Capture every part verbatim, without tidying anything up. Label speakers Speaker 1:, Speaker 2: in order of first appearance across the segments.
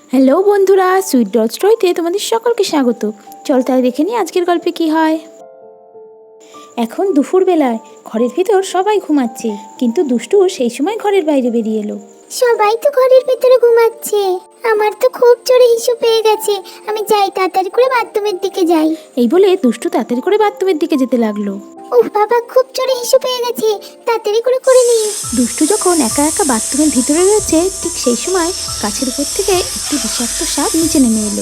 Speaker 1: Hello বন্ধুরা, sweet dot স্টোরিতে তোমাদের সকলকে স্বাগত। চল তাই দেখে নিই আজকের গল্পে কি হয়। এখন দুপুরবেলায় ঘরের ভিতর সবাই ঘুমাচ্ছে, কিন্তু দুষ্টু সেই সময় ঘরের বাইরে বেরিয়ে এলো।
Speaker 2: সবাই তো ঘরের ভিতরে ঘুমাচ্ছে, আমার তো খুব জোরে হিসু পেয়ে গেছে। আমি যাই, তাড়াতাড়ি করে বাথরুমের দিকে যাই।
Speaker 1: এই বলে দুষ্টু তাড়াতাড়ি করে বাথরুমের দিকে যেতে লাগলো।
Speaker 2: উফ বাবা, খুব জোরে হিসু পেয়ে গেছে, তাড়াতাড়ি করে করে নি।
Speaker 1: দুষ্টু যখন একা একা বাথরুমের ভিতরে রয়েছে, ঠিক সেই সময় গাছের উপর থেকে একটি বিষাক্ত সাপ নিচে নেমে এলো।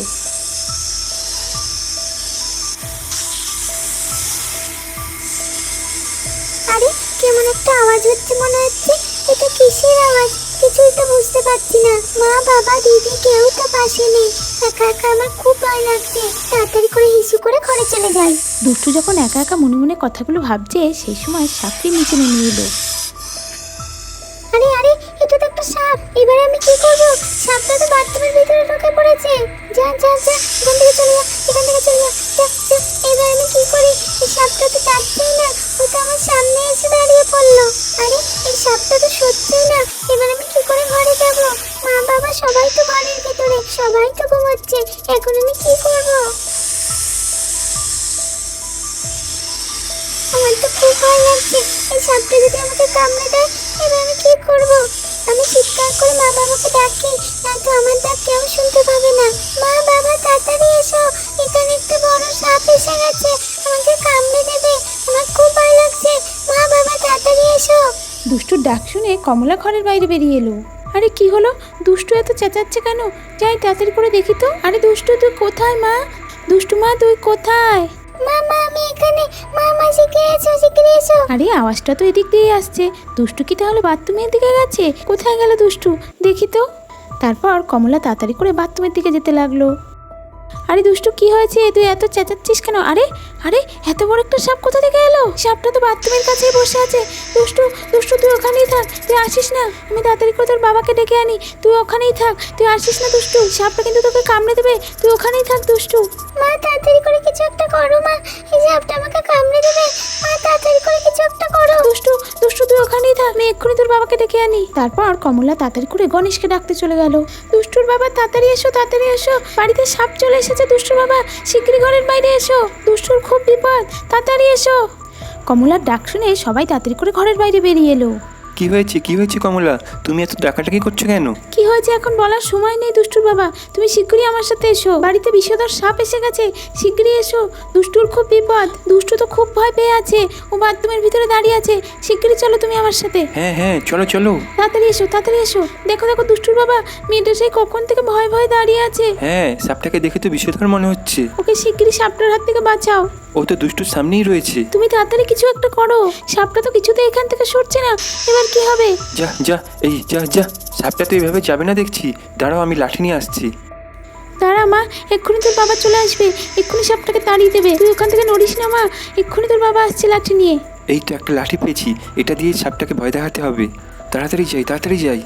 Speaker 2: আরে, কেমন একটা আওয়াজ হচ্ছে মনে হচ্ছে। এটা কিসের আওয়াজ? কিছুই তো বুঝতে পারছি না। মা, বাবা, দিদি কেউ তো পাশে নেই। একা একা আমার খুব ভয় লাগছে। তাড়াতাড়ি করে হিসু করে ঘরে চলে যাই।
Speaker 1: দুষ্টু যখন একা একা মনে মনে কথাগুলো ভাবছে, সেই সময় সাপটি নিচে নেমে এলো।
Speaker 2: আরে আরে, এটা তো একটা সাপ। এবারে আমি কি করব? সাপটা তো বাথরুমের ভিতরে ঢুকে পড়েছে। যা যা যা, এখান থেকে চলে যা, এখান থেকে চলে যা। যা যা, এবার আমি কি করি? এই সাপটা তো যাচ্ছেই না, ও তো আমার সামনে এসে দাঁড়িয়ে পড়লো। আরে, এই সাপটা তো সরছেই না। এবার আমি কি করে ঘরে যাব? মা বাবা সবাই তো ঘরের ভিতরে, সবাই তো ঘুমাচ্ছে। এখন আমি কি করব? আমার তো খুব ভয় লাগছে। এই সাপটা যদি আমাকে কামড়ে দেয়, এবার আমি কি করব? আমি চিৎকার করে মা বাবাকে ডাকি, নয়তো আমার ডাক কেউ শুনতে পাবে না। মা বাবা, তাড়াতাড়ি এসো, এখানে একটা বড় সাপ এসে গেছে, আমাকে কামড়ে দেবে। আমার খুব ভয় লাগছে। মা বাবা, তাড়াতাড়ি এসো।
Speaker 1: দুষ্টুর ডাক শুনে কমলা ঘরের বাইরে বেরিয়ে এলো। আরে কি হলো? দুষ্টু এত চেঁচাচ্ছে কেন? যাই তাড়াতাড়ি করে দেখি তো। আরে দুষ্টু, তুই কোথায় মা? দুষ্টু মা, তুই কোথায়?
Speaker 2: মামা, আমি এখানে। মামা, শিগগিরি এসো, শিগগিরি এসো।
Speaker 1: আরে আওয়াজটা তো এদিক দিয়ে আসছে। দুষ্টু কি তাহলে বাথরুমের দিকে গেছে? কোথায় গেল দুষ্টু? দেখি তো। তারপর কমলা তাড়াতাড়ি করে বাথরুমের দিকে যেতে লাগলো। আরে দুষ্টু, কি হয়েছে? তুই এত চেঁচাচ্ছিস কেন? আরে আরে, এত বড় একটা সাপ কোথা থেকে এলো? সাপটা তো বাথরুমের কাছেই বসে আছে। দুষ্টু দুষ্টু, তুই ওখানেই থাক, তুই আসিস না। আমি তাড়াতাড়ি করে তোর বাবাকে ডেকে আনি, তুই ওখানেই থাক, তুই আসিস না দুষ্টু। সাপটা কিন্তু তোকে কামড়ে দেবে, তুই ওখানেই থাক দুষ্টু।
Speaker 2: মা, তাড়াতাড়ি করে কিছু একটা করো মা, এই সাপটা আমাকে কামড়ে দেবে। মা, তাড়াতাড়ি করে কিছু একটা করো।
Speaker 1: দুষ্টু দুষ্টু, তুই ওখানেই থাক, আমি এক্ষুনি তোর বাবাকে ডেকে আনি। তারপর কমলা তাড়াতাড়ি করে গণেশকে ডাকতে চলে গেল। দুষ্টুর বাবা, তাড়াতাড়ি এসো, তাড়াতাড়ি এসো, বাড়িতে সাপ চলে এসেছে। দুষ্টুর বাবা, শিগগিরই ঘরের বাইরে এসো, দুষ্টুর খুব বিপদ, তাড়াতাড়ি এসো। কমলার ডাক শুনে সবাই তাড়াতাড়ি করে ঘরের বাইরে বেরিয়ে এলো।
Speaker 3: কি হয়েছে কি হয়েছে কমলা, তুমি এত ডাকাডাকি করছো কেন?
Speaker 1: কি হয়েছে এখন বলার সময় নেই দুষ্টুর বাবা, তুমি শিগগিরই আমার সাথে এসো, বাড়িতে বিষধর সাপ এসে গেছে, শিগগিরই এসো, দুষ্টুর খুব বিপদ। দুষ্টু তো খুব ভয় পেয়ে আছে, ও বাথরুমের ভিতরে দাঁড়িয়ে আছে, শিগগিরই চলো তুমি আমার সাথে।
Speaker 3: হ্যাঁ হ্যাঁ, চলো চলো।
Speaker 1: তাড়াতাড়ি এসো, তাড়াতাড়ি এসো। দেখো দেখো দুষ্টুর বাবা, মেয়েটা সেই কখন থেকে ভয় ভয় দাঁড়িয়ে আছে।
Speaker 3: হ্যাঁ, সাপটাকে দেখে তো বিষধর মনে হচ্ছে।
Speaker 1: ওকে শিগগিরই সাপটার হাত থেকে বাঁচাও।
Speaker 3: ও তো দুষ্টুর সামনেই রয়েছে।
Speaker 1: তুমি তাড়াতাড়ি কিছু একটা করো, সাপটা তো কিছুতে এখান থেকে সরছে না, এবার কি হবে?
Speaker 3: যা যা, এই যা যা, সাপটা তো এইভাবে যাবে না দেখছি। দাঁড়াও, আমি লাঠি নিয়ে আসছি।
Speaker 1: দাঁড়া মা, এক্ষুনি তোর বাবা চলে আসবে, এক্ষুনি সাপটাকে তাড়িয়ে দেবে, তুই ওখান থেকে নড়িস না মা, এক্ষুনি তোর বাবা আসছে লাঠি নিয়ে।
Speaker 3: এই তো একটা লাঠি পেয়েছি, এটা দিয়ে সাপটাকে ভয় দেখাতে হবে। তাড়াতাড়ি যাই তাড়াতাড়ি যাই।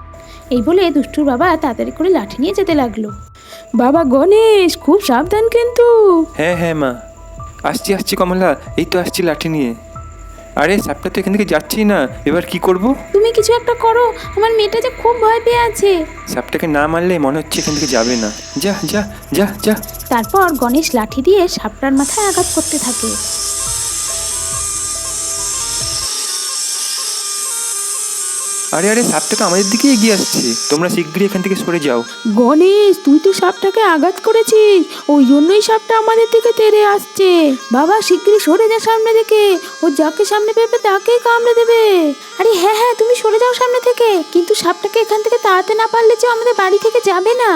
Speaker 1: এই বলে দুষ্টুর বাবা তাড়াতাড়ি করে লাঠি নিয়ে যেতে লাগলো। বাবা গণেশ, খুব সাবধান কিন্তু।
Speaker 3: হ্যাঁ হ্যাঁ মা, আসছি আসছি কমলা, এই তো আসছি লাঠি নিয়ে। আরে সাপটা তো এখান থেকে যাচ্ছি না, এবার কি করব?
Speaker 1: তুমি কিছু একটা করো, আমার মেয়েটা যে খুব ভয় পেয়ে আছে।
Speaker 3: সাপটাকে না মারলে মনে হচ্ছে এখান থেকে যাবে না। যা যা যা যা।
Speaker 1: তারপর গণেশ লাঠি দিয়ে সাপটার মাথায় আঘাত করতে থাকে।
Speaker 3: আরে আরে, সাপটা তো আমাদের দিকে এগিয়ে আসছে, তোমরা শিগগিরই এখান থেকে সরে যাও।
Speaker 1: গণেশ, তুই তো সাপটাকে আঘাত করেছিস, ওই জন্যই সাপটা আমাদের দিকে তেড়ে আসছে। বাবা শিগগিরই সরে যা সামনে থেকে, ও যাকে সামনে পেবে তাকেই কামড়ে দেবে। আরে হ্যাঁ হ্যাঁ, তুমি সরে যাও সামনে থেকে, কিন্তু সাপটাকে এখান থেকে তাড়াতে না পারলে যে আমাদের বাড়ি থেকে যাবে না।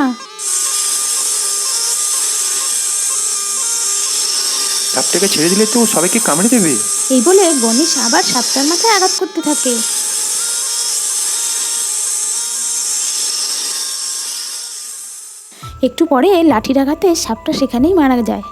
Speaker 3: সাপটাকে ছেড়ে দিলে তো ও সবাইকে কামড়ে দেবে।
Speaker 1: এই বলে গণেশ আবার সাপটার মাথায় আঘাত করতে থাকে। একটু পরে লাঠির আঘাতে সাপটা সেখানেই মারা যায়।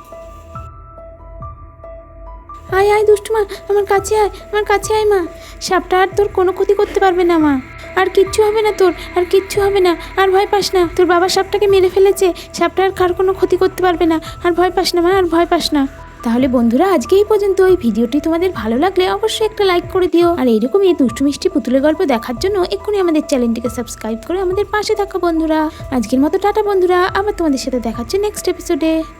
Speaker 1: আয় আয় দুষ্টু মা, আমার কাছে আয়, আমার কাছে আয় মা, সাপটা আর তোর কোনো ক্ষতি করতে পারবে না মা, আর কিচ্ছু হবে না তোর, আর কিচ্ছু হবে না, আর ভয় পাস না, তোর বাবা সাপটাকে মেরে ফেলেছে, সাপটা আর কার কোনো ক্ষতি করতে পারবে না, আর ভয় পাস না মা, আর ভয় পাস না। তাহলে বন্ধুরা আজকে এই পর্যন্ত। এই ভিডিওটি তোমাদের ভালো লাগলে অবশ্যই একটা লাইক করে দিও, আর এইরকমই দুষ্টু মিষ্টি পুতুলের গল্প দেখার জন্য এক্ষুনি আমাদের চ্যানেলটিকে সাবস্ক্রাইব করে আমাদের পাশে থাকো বন্ধুরা। আজকের মতো টাটা বন্ধুরা, আবার তোমাদের সাথে দেখাচ্ছে নেক্সট এপিসোডে।